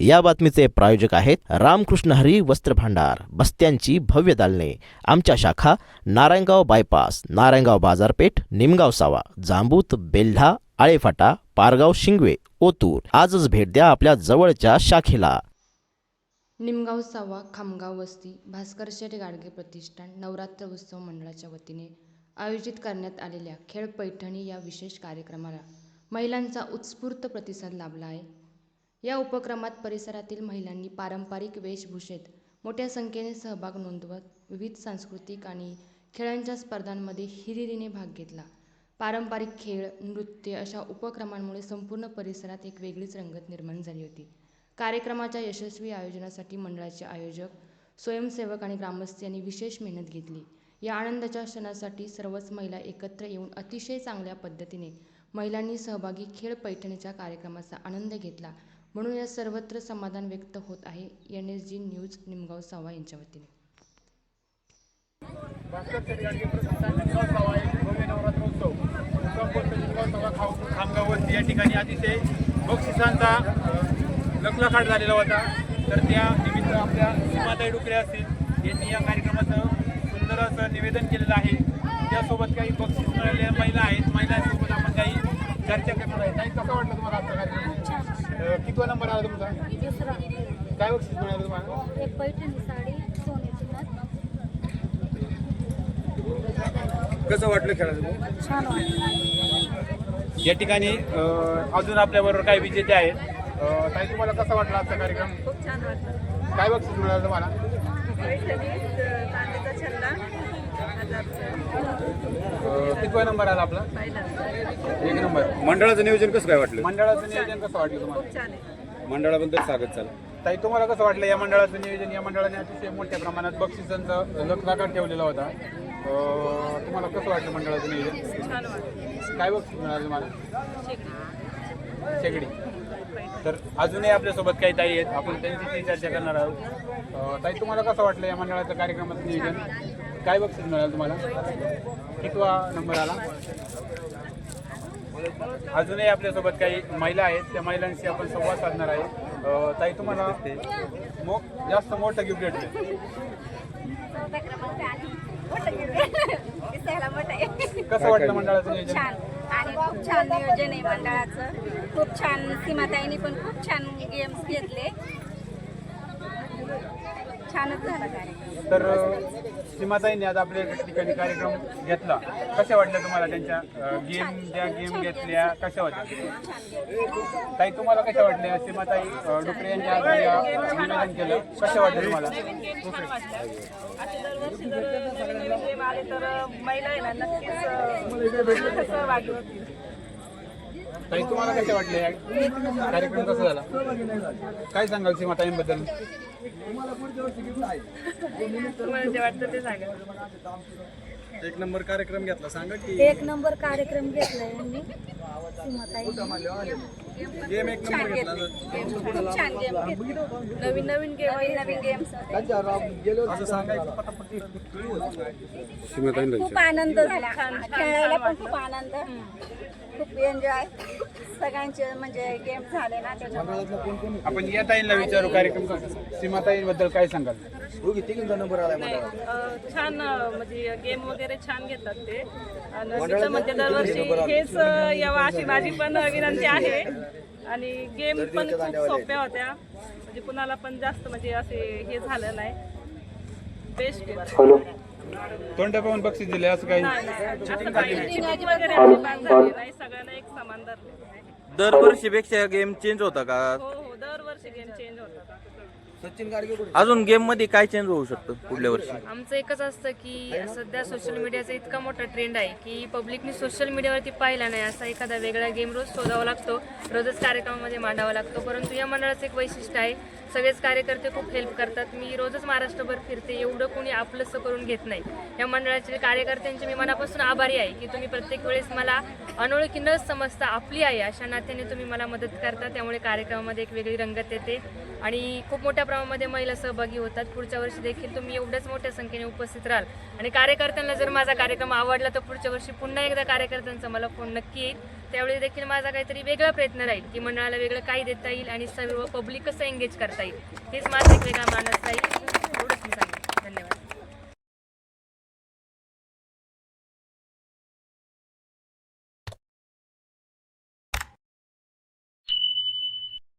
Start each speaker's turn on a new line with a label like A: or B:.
A: या बातमीचे प्रायोजक आहेत रामकृष्ण हरी वस्त्र भांडार, बस्त्यांची भव्य दालने. आमच्या शाखा नारायणगाव बायपास, नारायणगाव बाजारपेठ, निमगाव सावा, जांबूत, बेल्ढा, आळेफाटा, पारगाव, शिंगवे, ओतूर. आजच भेट द्या आपल्या जवळच्या शाखेला.
B: निमगाव सावा, खामगाव वस्ती, भास्कर शेठ गाडगे प्रतिष्ठान नवरात्र उत्सव मंडळाच्या वतीने आयोजित करण्यात आलेल्या खेळ पैठणी या विशेष कार्यक्रमाला महिलांचा उत्स्फूर्त प्रतिसाद लाभला आहे. या उपक्रमात परिसरातील महिलांनी पारंपरिक वेशभूषेत मोठ्या संख्येने सहभाग नोंदवत विविध सांस्कृतिक आणि खेळांच्या स्पर्धांमध्ये हिरिरीने भाग घेतला. पारंपरिक खेळ, नृत्य अशा उपक्रमांमुळे संपूर्ण परिसरात एक वेगळीच रंगत निर्माण झाली होती. कार्यक्रमाच्या यशस्वी आयोजनासाठी मंडळाचे आयोजक, स्वयंसेवक आणि ग्रामस्थ यांनी विशेष मेहनत घेतली. या आनंदाच्या क्षणासाठी सर्वच महिला एकत्र येऊन अतिशय चांगल्या पद्धतीने महिलांनी सहभागी खेळ पैठणीच्या कार्यक्रमाचा आनंद घेतला, म्हणून या सर्वत्र समाधान व्यक्त होत आहे. NSG न्यूज निमगाव सावा यांच्या वतीने.
C: या ठिकाणी अतिशय बक्षिसांचा लखलखाट झालेला होता. तर त्या निमित्त आपल्या सीमाताई डुकरे असतील यांनी या कार्यक्रमाचं सुंदर असं निवेदन केलेलं आहे. त्यासोबत काही बक्षीस मिळालेल्या महिला आहेत. महिलांसोबत आपण काही चर्चा करणार आहे. नाही, कसं वाटलं तुम्हाला आजचा कार्यक्रम? कितवा नंबर आला तुमचा?
D: दुसरा.
C: काय बक्षीस मिळालं तुम्हाला?
D: एक पैठणी साडी, सोन्याची नथ.
C: कसं वाटलं खेळायला?
D: छान वाटलं.
C: या ठिकाणी अजून आपल्याबरोबर काही विजेते आहेत. ताई, तुम्हाला कसा वाटला आजचा कार्यक्रम?
E: खूप छान वाटलं.
C: काय बक्षीस मिळालं तुम्हाला?
E: पैठणी, चांदीचा छल्ला, 1000.
C: कितवा नंबर आला आपला?
E: पहिला.
C: 1 नंबर.
F: मंडळाचं नियोजन कसं काय वाटलं?
C: मंडळाचं नियोजन कसं वाटलं तुम्हाला?
E: खूप छान आहे.
F: मंडळाबद्दल स्वागत झालं.
C: ताई, तुम्हाला कसं वाटलं या मंडळाचं नियोजन? या मंडळाने अतिशय मोठ्या प्रमाणात बक्षिसांचा लखलखाट ठेवलेला होता. तुम्हाला कसं वाटलं मंडळाचं नियोजन?
E: छान वाटलं.
C: काय बक्षीस मिळालं तुम्हाला?
E: शेगडी.
C: शेगडी. तर अजूनही आपल्यासोबत काही ताई आहेत, आपण त्यांच्याशी चर्चा करणार आहोत. ताई, तुम्हाला कसं वाटलं या मंडळाचं कार्यक्रमाचं नियोजन? काय बक्षीस मिळालं तुम्हाला? कितवा नंबर आला? अजूनही आपल्यासोबत काही महिला आहेत, त्या महिलांशी आपण संवाद साधणार आहे. ताई, तुम्हाला जास्त मोठं गिफ्ट भेटलं? कसं वाटलं मंडळाचं नियोजन?
D: छान आणि खूप छान नियोजन आहे मंडळाचं. खूप छान. सीमाताईंनी पण खूप छान गेम्स घेतले. छानच झाला कार्यक्रम.
C: तर सीमाताईंनी आज आपल्या ठिकाणी कार्यक्रम घेतला. कशा वाटल्या तुम्हाला त्यांच्या गेम घेतल्या कशा वाटल्या? ताई, तुम्हाला कशा वाटल्या? सीमाताई डुकरे यांनी आज निवेदन केलं, कशा वाटलं तुम्हाला?
E: नवीन गेम छान वाटलं. असे दरवर्षी जर नवीन गेम आले तर महिला आहे ना नक्कीच सहभागी होतील.
C: ताई, तुम्हाला कशा वाटले? कार्यक्रम कसा झाला? काय सांगाल सीमाताईंबद्दल?
E: तुम्हाला जे वाटतं ते सांगा.
F: एक नंबर कार्यक्रम घेतला, सांगा की.
D: एक नंबर कार्यक्रम घेतलाय यांनी. सीमाताई
F: गेम एक नंबर घेतला.
D: खूप छान गेम घेतले.
E: नवीन
D: गेम्स
F: असं सांगायचं.
D: खूप आनंद झाला. खेळायला पण खूप आनंद, खूप एन्जॉय. सगळ्यांचे म्हणजे गेम झाले ना त्याच्यामुळे.
C: आपण या ताईंना विचारू कार्यक्रम कसा? सीमाताईंबद्दल काय सांगाल?
E: छान म्हणजे गेम वगैरे छान घेतात ते. आणि तिथं म्हणजे दरवर्षी हेच यावं अशी माझी पण विनंती आहे. आणि गेम पण खूप सोप्या होत्या, म्हणजे कुणाला पण जास्त म्हणजे असे हे झालं नाही. बेस्ट.
C: तोंड पाहून बक्षीस दिले असं काही?
E: चिटिंग वगैरे अजिबात झाली नाही. सगळ्यांना एक समान धरले.
G: दरवर्षीपेक्षा गेम चेंज होता का?
E: हो हो, दरवर्षी गेम चेंज होतात.
G: अजून गेम मध्ये काय चेंज होऊ शकतं पुढल्या वर्षी?
H: आमचं एकच असतं की सध्या सोशल मीडियाचा इतका मोठा ट्रेंड आहे की पब्लिकनी सोशल मीडियावरती पाहिला नाही असा एखादा वेगळा गेम रोज शोधावा लागतो, रोजच कार्यक्रमामध्ये मांडावा लागतो. परंतु या मंडळाचं एक वैशिष्ट्य आहे, सगळेच कार्यकर्ते खूप हेल्प करतात. मी रोजच महाराष्ट्रभर फिरते, एवढं कोणी आपलंसं करून घेत नाही. या मंडळाच्या कार्यकर्त्यांचे मी मनापासून आभारी आहे की तुम्ही प्रत्येक वेळेस मला अनोळखी न समजता आपली आहे अशा नात्याने तुम्ही मला मदत करता. त्यामुळे कार्यक्रमामध्ये एक वेगळी रंगत करण्यात येते आणि खूप मोठ्या प्रमाणामध्ये महिला सहभागी होतात. पुढच्या वर्षी देखील तुम्ही एवढ्याच मोठ्या संख्येने उपस्थित राहाल आणि कार्यकर्त्यांना जर माझा कार्यक्रम आवडला तर पुढच्या वर्षी पुन्हा एकदा कार्यकर्त्यांचा मला फोन नक्की येईल. त्यावेळी देखील माझा काहीतरी वेगळा प्रयत्न राहील की मंडळाला वेगळं काही देता येईल आणि सर्व पब्लिक कसं एंगेज करता येईल हेच माझा एक वेगळा मानस राहील.